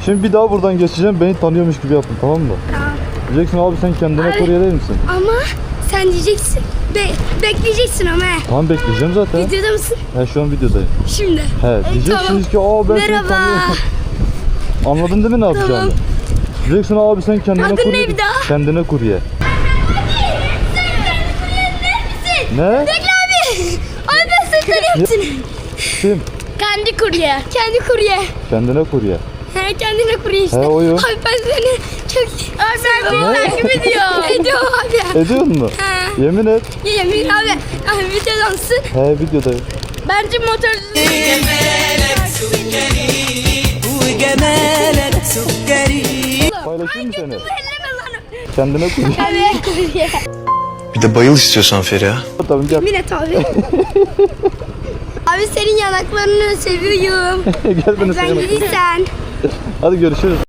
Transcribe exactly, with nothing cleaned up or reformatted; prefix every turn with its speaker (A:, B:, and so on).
A: Şimdi bir daha buradan geçeceğim. Beni tanıyormuş gibi yapın, tamam mı?
B: Tamam.
A: Diyeceksin abi sen kendine
B: Abi.
A: kurye değil misin?
B: Ama sen diyeceksin. Be bekleyeceksin ama he.
A: Tamam bekleyeceğim zaten.
B: Videoda mısın?
A: He şu an videodayım.
B: Şimdi.
A: He diyeceksiniz ki aa ben seni
B: Merhaba.
A: tanıyorum. Anladın değil mi ne yapacağını?
B: Tamam.
A: Diyeceksin abi sen kendine
B: Adın
A: kurye.
B: ne bir daha?
A: Kendine kurye. Ne?
B: Bekle abi. Abi ben seni tanıyorum.
A: Kim?
B: Kendi kurye. Kendi kurye.
A: Kendine kurye.
B: He kendine kurye işte.
A: He, oyum.
B: Abi ben seni çok abi ben beni takip ediyor. Ediyor abi.
A: Ediyor mu?
B: He.
A: Yemin et.
B: Yemin abi. Abi videodansın.
A: He videodayım.
B: Bence motor.
A: Paylaşayım mı seni?
B: Elleme lan.
A: Kendine kurye.
B: Kendine kurye.
C: Bir de bayıl istiyorsan Feriha.
A: Tabii gel.
B: Yemin et abi. Abi senin yanaklarını seviyorum.
A: Gel beni
B: Ben
A: sevene.
B: gidiysen.
A: Hadi görüşürüz.